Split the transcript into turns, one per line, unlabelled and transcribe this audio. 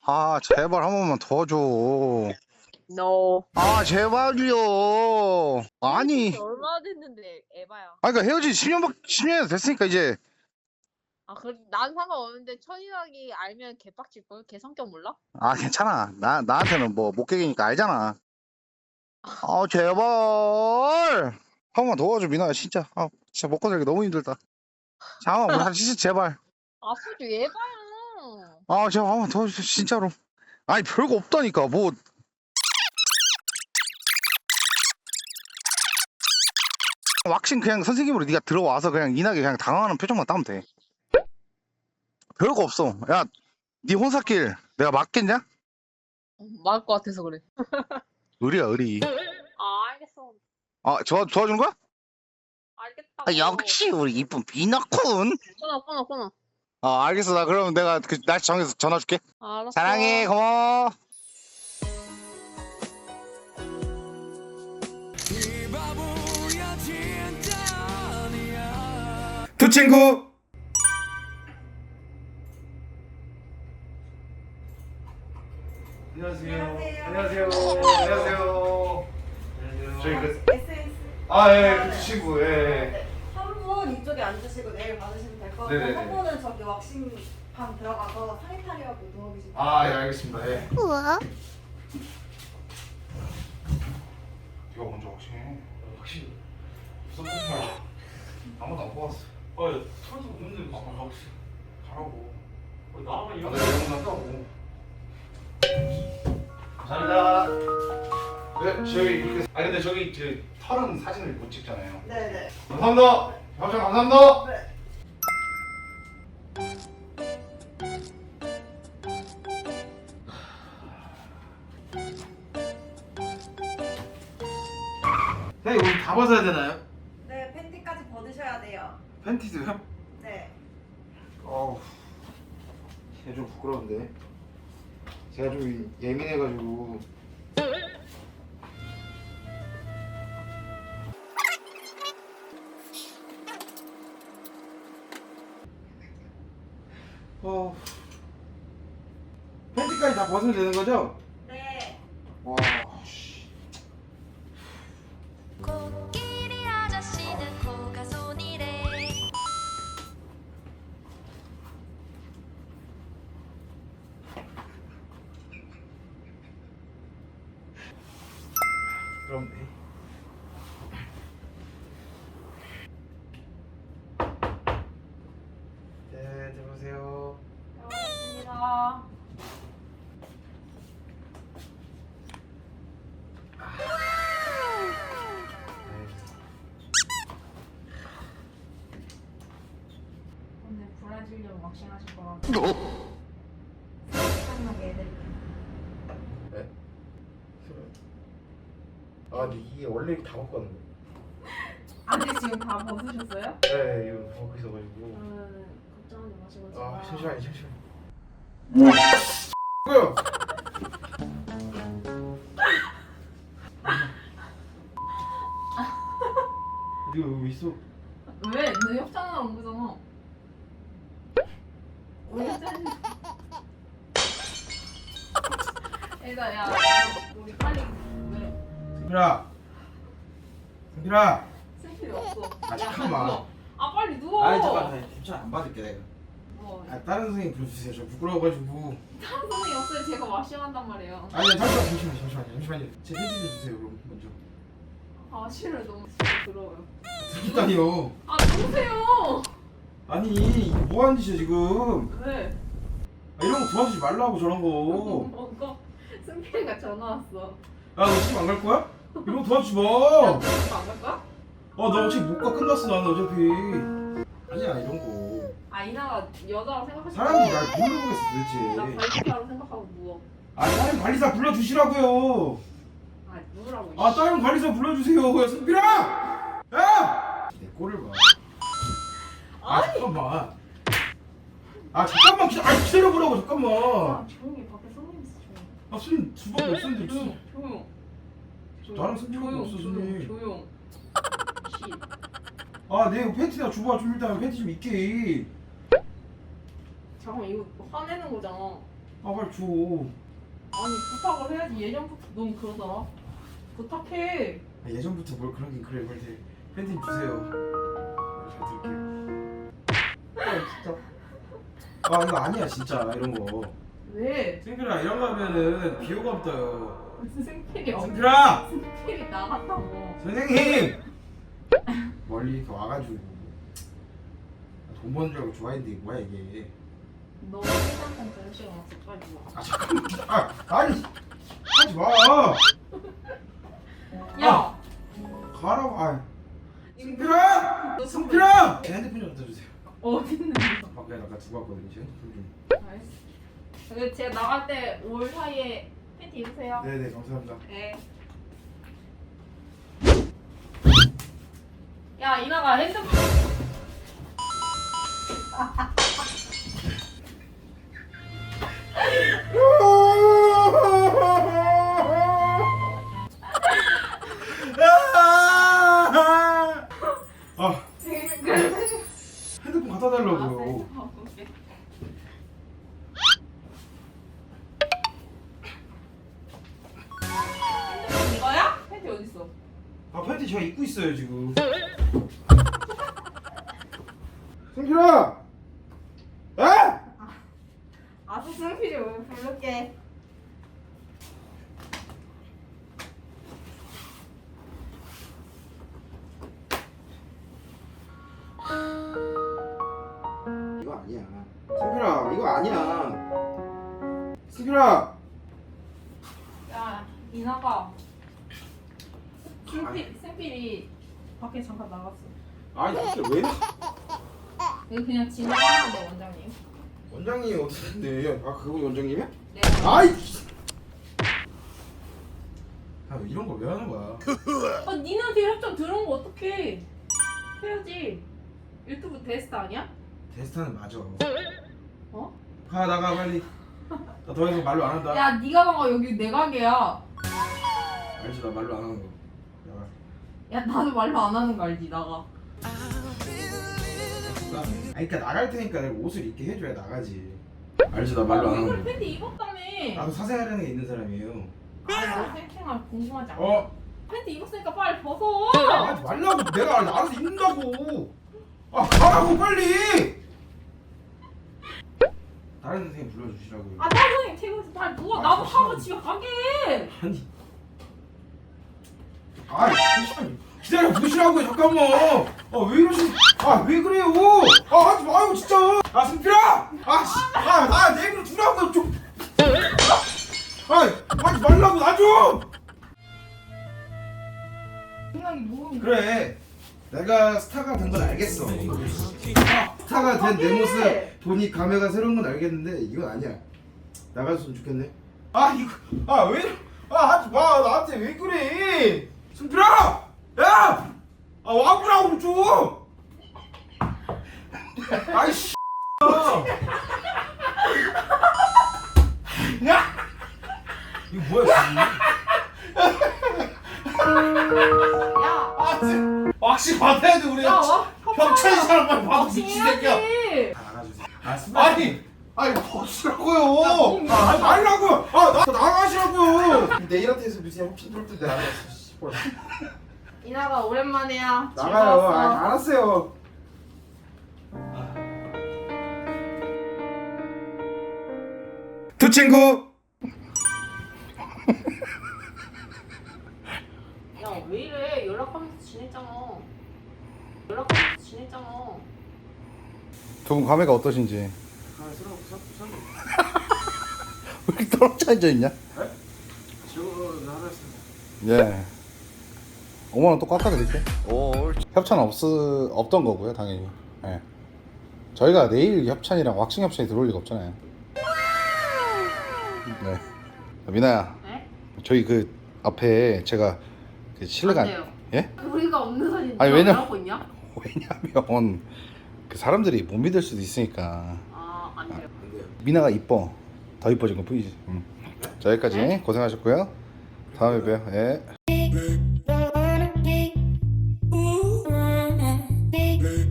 아, 제발 한 번만 더 줘.
No.
아, 제발요. 아니.
얼마나 됐는데 에바야.
아, 그러니까 헤어진 10년 됐으니까 이제.
아, 난 상관없는데 천인학이 알면 개빡칠걸? 걔 성격 몰라?
아, 괜찮아. 나한테는 뭐 목객이니까 알잖아. 아, 제발. 한 번만 도와줘, 민아야, 진짜. 아, 진짜 먹고 살기 너무 힘들다. 잠깐만, 뭐, 진짜 제발.
아프지 에바야.
아, 제발 한 번만 도와줘, 진짜로. 아니, 별거 없다니까. 뭐. 왁싱 그냥 선생님으로 네가 들어와서 그냥 인하게 그냥 당황하는 표정만 따면 돼. 별거 없어. 야, 네 혼사길 내가 맞겠냐?
맞을 것 같아서 그래.
의리야, 의리.
아, 알겠어.
아, 도와주는 거야?
알겠다고.
아, 역시 우리 이쁜 비너쿤.
끊어.
아, 알겠어. 나 그러면 내가 그 날씨 정해서 전화 줄게.
알았어.
사랑해, 고마워. 두 친구.
안녕하세요.
안녕하세요.
안녕하세요. 저희 그
SNS.
그 친구
네. 한 분 이쪽에 앉으시고 내일 받으시면 될 것 같고
네네네.
한 분은 저기 왁싱방 들어가서 사니타리하고 누워 계시면 돼요.
알겠습니다. 예.
우와.
네가 먼저 확신해. 확신. 무슨 말이야? 아무도 안 뽑았어.
선수 없는데
아빠 확신. 가라고.
나만 이런
나 이런 건 한다고. 감사합니다. 네, 저희 이렇게. 근데 저기 그 털은 사진을 못 찍잖아요.
네네.
감사합니다. 협찬 감사합니다.
네.
선생님 옷 다 벗어야 되나요?
네, 팬티까지 벗으셔야 돼요.
팬티도요?
네.
어우, 제가 좀 부끄러운데. 제가 좀 예민해가지고.
팬티까지 다 벗으면 되는 거죠?
네.
와, 씨.
코끼리 아저씨는 코가 손이래.
그럼 네. 네, 들어오세요.
고맙습니다. 오늘 브라질리언 왁싱 하실 거라고. 상상하게 해드릴게요.
네? 근데 이게 원래 이렇게 다 먹거든요.
아직 지금 다 벗으셨어요?
네, 이거 다 먹고 있어가지고.
걱정하지 마시고
잠시만요. 뭐야? 네가 여기 있어?
왜? 너 협찬하러 온 거잖아. 왜 협찬해? 일단 야 우리 빨리 왜?
승필아
생필이 없어.
아,
야,
잠깐만.
누워. 아 빨리 누워.
아니 잠깐 협찬 안 받을게 내가.
뭐
다른 선생님 불러주세요. 저 부끄러워가지고.
다른 선생님 없어요. 제가 왁싱한단 말이에요.
아니 잠시만요. 제 팬티 좀 주세요 그럼 먼저.
아 싫어요. 너무 부러워요.
들었다니요.
아 누구세요?
아니 이게 뭐 하는 짓이야 지금.
왜?
이런 거 도와주지 말라고 저런 거.
뭔가 승필이가 전화 왔어.
야 너 지금 안 갈 거야? 이런 거 도와주지 마.
야, 너 안갈 거야?
나 어차피 못 가 끝났어 나는 어차피. 아니야 이런 거.
아 이나가 여자라고 생각하지
사람들이 날 모르겠어
나
도대체.
발기사로 생각하고 누워.
다른 관리사 불러주시라고요.
아 누우라고.
다른 관리사 불러주세요. 야 승필아. 야. 내 꼴을 봐.
아니.
잠깐만. 잠깐만 기다려보라고 잠깐만.
아 조용히 밖에 손님 있어 조용.
손님 두 번도 없었는데 무슨.
조용.
나랑 손님밖에 없어, 손님.
조용. 씨.
내 이거 팬티나 줘봐 좀 일단 팬티 좀 입게.
잠깐 이거 화내는 거잖아.
아 빨리 줘.
아니 부탁을 해야지. 예전부터 넌 그러더라. 부탁해.
아, 예전부터 뭘 그러긴 그래. 빨리 팬티 주세요. 잘 들을게요. 진짜. 아 이거 아니야 진짜 이런 거.
왜?
승필아 이런 거 하면은 비호감 떠요.
무슨 생필이 없
승필아!
생필이 나갔다고.
선생님! 멀리 이렇게 와가지고 돈 버는 줄 알고 좋아했는데 이게 뭐야 이게.
너 회장판 될 시간 없어. 빨리 와.
아 잠깐만. 아니 하지 마.
야!
가라고. 아 승필아! 승필아! 제 핸드폰 좀 갖다 주세요.
어딨는데?
밖에 아까 두고 왔거든요. 제 핸드폰 좀.
알았어. 근데 제가 나갈 때 올 사이에 팬티 입으세요.
네네 감사합니다.
네. 야 이나가 핸드폰.
아 핸드폰 갖다 달라고요.
핸드폰 이거야? 팬티 어디 있어?
아 팬티 제가 입고 있어요 지금. 승필아! 에?
아서 승필이 오늘 부를게.
이거 아니야. 승필아 이거 아니야. 승필아!
야 이나가. 승필이 밖에 잠깐 나갔어.
아니 진짜 왜?
이거 그냥 지나가는데 원장님.
원장님이 어떻게? 아 그거 원장님이야?
네.
아이. 아 이런 거 왜 하는 거야?
아 니네한테 협찬 들어온 거 어떡해? 해야지. 유튜브 데스트 아니야?
데스타는 맞아.
어?
가 나가 빨리. 나 더 이상 말로 안 한다.
야 니가 봐봐 여기 내 가게야.
알지 나 말로 안 하는 거. 나가.
야 나도 말로 안 하는 거 알지 나가.
아니 그러니까 나갈 테니까 내가 옷을 입게 해줘야 나가지. 알지 나 말로 안 하는
이걸
거.
팬티 입었다며.
나도 사생활하는 게 있는 사람이에요.
아너 생생할 궁금하지 않아?
어?
팬티 입었으니까 빨리 벗어.
하지 말라고. 내가 알아서 입는다고. 아 가라고 빨리. 다른 선생님 불러주시라고요.
아 다른 선생님 테이블에서 빨리 누워. 나도 하고 집에 가게.
아니. 아 잠시만 기다려 보시라고요 잠깐만. 아 왜 이러시? 아 왜 그래요? 아 하지 마요 진짜. 아 승필아. 아씨아내 입으로 두라고 좀. 아 하지 말라고 나 좀.
생각이 뭐야?
그래 내가 스타가 된 건 알겠어. 스타가 된 내 모습 보니 감회가 새로운 건 알겠는데 이건 아니야. 나가줬으면 좋겠네. 아 이거 왜 하지 마 나한테 왜 그래. 승필아 야! 아 와보라고 좀. 아이씨 야! 이거 뭐야 지금.
야.
확실히 받아야 돼 우리.
야 와.
협찬이 사람 빨리 받아
확실히
미친 새끼야.
해야지.
다 나가주세요. 아니 벗으라고요.
야,
하지 말라고요. 나 나가시라고요. 내일한테서 무슨 협찬 줄 텐데 알았어.
이나가 오랜만이야.
나가요.
즐거웠어.
알았어요. 두 친구.
야 왜 이래? 연락하면서 지냈잖아. 연락하면서 지냈잖아.
두 분 감회가 어떠신지.
아 서로
왜 이렇게 떨어져 앉아 있냐?
지금 나갔습니다.
예. 5만 원 또 깎아드릴게. 협찬 없던 거고요, 당연히. 예. 저희가 내일 협찬이랑 왁싱 협찬이 들어올 리가 없잖아요. 네. 미나야,
네?
저희 그 앞에 제가 그 실내가
안 돼요.
예?
우리가 없는 사진
아니,
왜
왜냐-
하고 있냐?
왜냐면 그 사람들이 못 믿을 수도 있으니까.
안 돼요.
안 돼요.
미나가 이뻐. 더 이뻐진 것 뿐이지. 자, 여기까지
네?
고생하셨고요. 다음에 봬요. 예.